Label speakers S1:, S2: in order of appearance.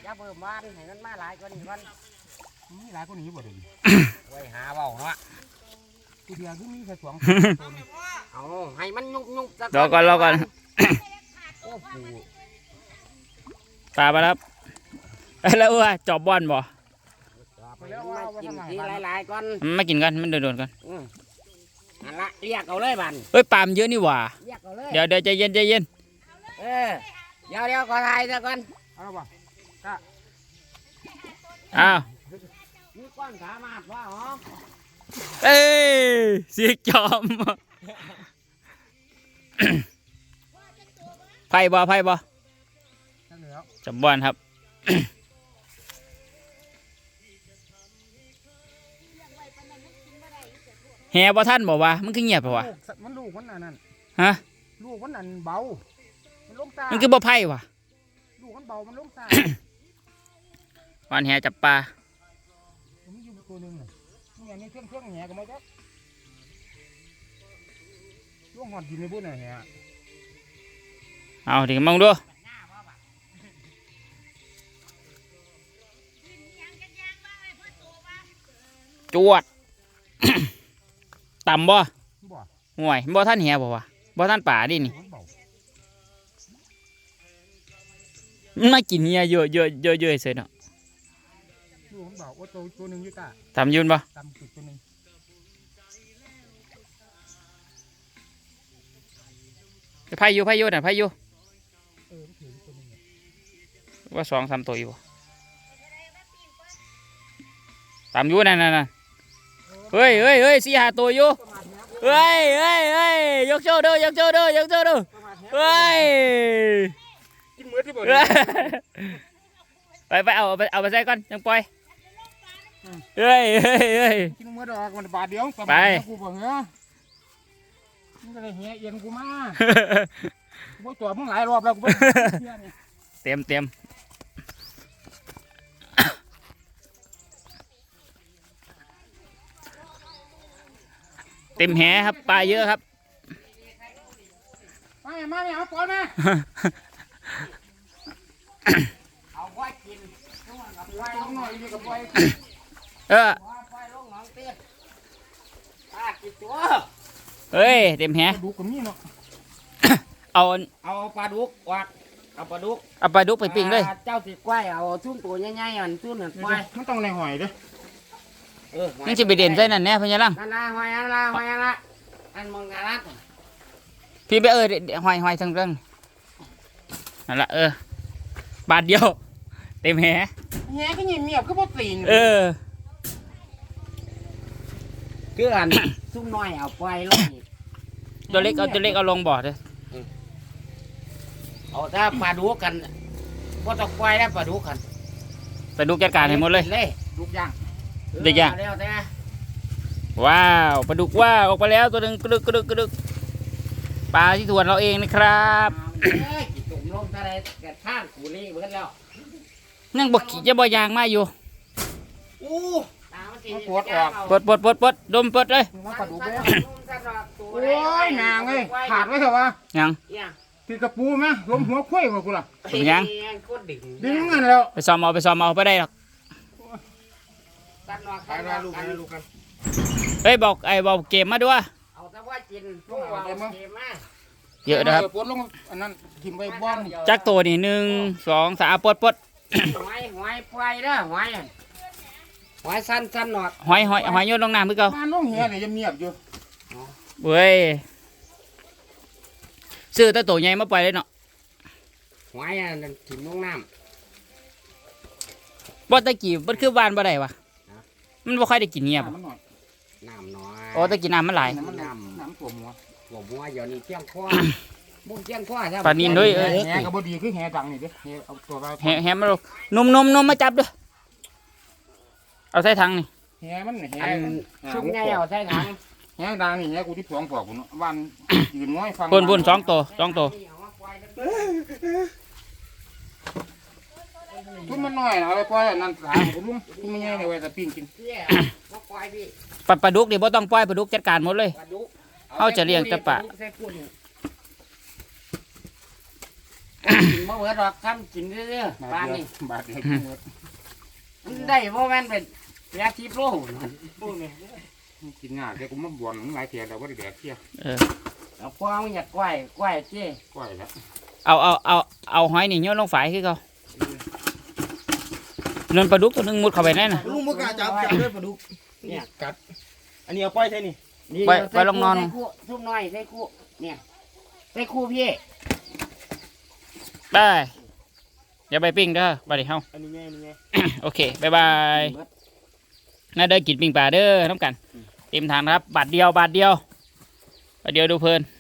S1: อย่าเบิ่มบ้านให้มันมาหลายกว่านี้ก่อน
S2: มีหลายคนนี้บ่เดี๋ยว
S1: ไว้หาเว้าเนาะ
S2: ตัวเดียวคือมีแค่2 ตัวนี่
S1: เอาให้มันยุ่งๆ
S3: รอก่อน
S1: โอ้โห
S3: ปลาไปแล้วแล้วจอบบอลบ่
S1: ไปแล้วว่ากินทีหลายๆก่อน
S3: มันไม่กินกันมันโดนกัน
S1: อันละเรียกเอาเลยบัน
S3: เฮ้ยปลามันเยอะนี่หว่า
S1: เรียกเอาเลย
S3: เดี๋ยวใจเย็น
S1: เดี๋ยวขอถ่ายซะก่อน
S2: เอาบ่
S3: อ้าว
S1: มีก้อนสามารถว่าหรอ
S3: เอ้ยสีจอมไพ่บ่
S2: นั่นแล้ว
S3: จอบบอลครับแห่บ่ท่านบอกว่ามันคือเงียบเปล่าวะ
S2: มันลูกมันนั่น
S3: ฮะ
S2: ลูกมันนั่นเบามันลงตา
S3: มันคือบ่ไพ่วะ
S2: ลูกมันเบามันลงตา
S3: วันแห่จับปลา
S2: มีอยู่ตัวนึงน่ะนี่อันนี้เครื่องแหก็มาจ้ะลูกหอดดินในบุ้นน่ะแห
S3: เอาถึงมองดูจวด ต่ำบ่
S2: บ่
S3: ห่วยบ่ท่านแห่บ่วะบ่ท่านป่าดินี่
S2: มันเบา
S3: มันมากินเหี้ยเยอะเสร็จเนาะ
S2: ลูกมันเบาโอ้ตัวนึงอยู่ตา
S3: ทำยืนบ่
S2: ตำจุดตัวนึง
S3: ไพ่อยู่น่ะไพ่อยู่
S2: มันถือตัวนึง
S3: ว่า2-3ตัวอยู่บ่ตามอยู่นั่นเฮ้ย4-5ตัวอยู่เฮ้ยยกโชว์เด้อเฮ้ย
S2: กินมื้อที่บ่
S3: ไปเอาไปใส่ก่อนยังปล่อยเฮ้ย
S2: กินมื้อดอกมันบาทเดียวกูบ่เหรอมึงก็ได้แหเอียนกูมากูตัวมึงหลายรอบแล้วกูบ่เชื่อนี่
S3: เต็มแหครับปลาเยอะครับ
S2: มาเอาปอนนะ
S1: เอาไว้กินไว้ลงหน่อยดีกับไว้
S3: เออ
S1: ไว้ลงหนองเตี้ยปลากี่ตัว
S3: เฮ้ยเต็มแห
S2: ดูกับนี่เนาะ
S3: เอา
S1: ปลาดุกวักเอาปลาดุก
S3: เอาปลาดุกไปปิ้งเลย
S1: เจ้าติดกล้วยเอาทุ่นตัวใหญ่ๆอันทุ่นหนึ่งกล้วย
S2: มันต้องในหอยเด้อ
S3: นี่จะไปเด่นใส่นั่นแน่พญาลัง
S1: นั่นละหอยนั่นละอันมองกันละ
S3: พี่ไปหอยทั้งเรื่องนั่นละบาทเดียวเต็มแห
S2: แหก็เงียบก็บ่ตีน
S1: คืออันซุ่มน้อยเอาไปลง
S3: ตัวเล็กเอาลงบ่อเลย
S1: เอาถ้าปลาดุกกันก็ต้องกล้วยแล้วปลาดุกกัน
S3: ไปดูจัดการให้หมดเลย
S2: ลูกย่าง
S3: เด็กย่าง
S1: แล้วแต่
S3: ว้าวปลาดุกว่าออกไปแล้วตัวหนึ่งกระดึกปลาที่สวนเราเองนะครับ
S1: กินตุ่มลงอะไรกระท่านกูนี่เบิดแล้ว
S3: นั่งบกขี่จะบ่ยางมาอยู่
S1: อู้
S3: ปลดดมปลดเลย
S2: มันปลาดุกเด้อโอ้ยนางเอ้ยขาดไว้เถอะวะ
S3: ยัง
S2: คือกระปูมั้ยลมหัวคุ้ยมากูล่ะ
S3: ยัง
S2: ดึงเงินแล้ว
S3: ไปซ้อมเอาไปได้หรอกเฮ้ยบอกเกมมาด้วย
S1: เอาแต่ว่ากินพวกเอาเกมมา
S3: เยอะนะครับ
S2: ปวดลงอันนั้นทิ่มไว้บ้าน
S3: จักตัวนี่1 2 3ปลด
S1: หอยปล่อยเด้อหอยสั้นหนอด
S3: หอยโยนลงน้ำมือเก่า
S2: บ้านลงเหียเนี่ยเงียบอยู่
S3: เว้ยซื้อแต่ตัวใหญ่มาปล่อยเลยเนาะ
S1: หอยอันนั้นถิ่มลงน้
S3: บ่ตะกี้มันคือบ้านบ่ได้วะมันบ่ค่อยได้กินเงียบ
S2: มันหน่อย
S1: ำน้ำน้อย
S3: โอ้ตะกี้น้ำมันหลาย
S2: น้ำตัวหัว
S1: หัวบัวเดี๋ยวนี้เที่ยงคว้าบุ้งเที่ยงคว้าใช่
S3: ปลานิลด้วย
S2: แหกับบดีคือแหดังนี่เด้แหเอาตัวไป
S3: แฮมาลูกนมมาจับด้วยเอาใส่ถังนี่
S2: แหมันแห
S1: อันชุบไงเอาใส่ถัง
S2: แหดังนี่แหกูที่สองปอกกูเนาะบ้านยืนน้อยฟัง
S3: ปุ่น2 ตัว
S2: ทุนมันน้อยเอาไปปล่อยนั่นสาผมลุงทุนมันใหญ่เลยไว้แต่ปิ้งกิน
S3: ปลาดุกนี่บ่ต้องปล่อยปลาดุกจัดการหมดเลย เอาจะเลี้ยงแต่ปลา
S1: กินบ่เบิดหรอกทำกินเรื่อยๆปานนี้
S2: บาทเดียวกินหมด
S1: มันได้บ่แม่นเป็นยาทิพย์โลก
S2: กินง่ายแต่กูมาบ่นมึงหลายเทียแล้วว่าได้แดกเที่ย
S1: เอาพวกมึงอยากกล้วยเจ้
S2: ก้อยแล้ว
S3: เอาหอยนี่โยนลงฝายคือเขาเนินปลาดุกตัวหนึงมุดเข้าไปแน่น่ะ
S4: ลุงมึงกล้าจับด้วยปลาดุก
S1: เนี่ย
S4: กัดอันนี้เอาปล่อยใช่นี่
S3: ไปลงนอน
S1: ใส่คู่ทุบน้อยใส่คู่เนี่ยใส่คู่พี่
S3: ไปอย่าไปปิ้งเด้อไปดิเฮา
S4: อันนี้ไงอันนี้ไง
S3: โอเคบายบายน่าเด้อกินปิ้งปลาเด้อน้ำกันเต็มทางครับบาทเดียวดูเพลิน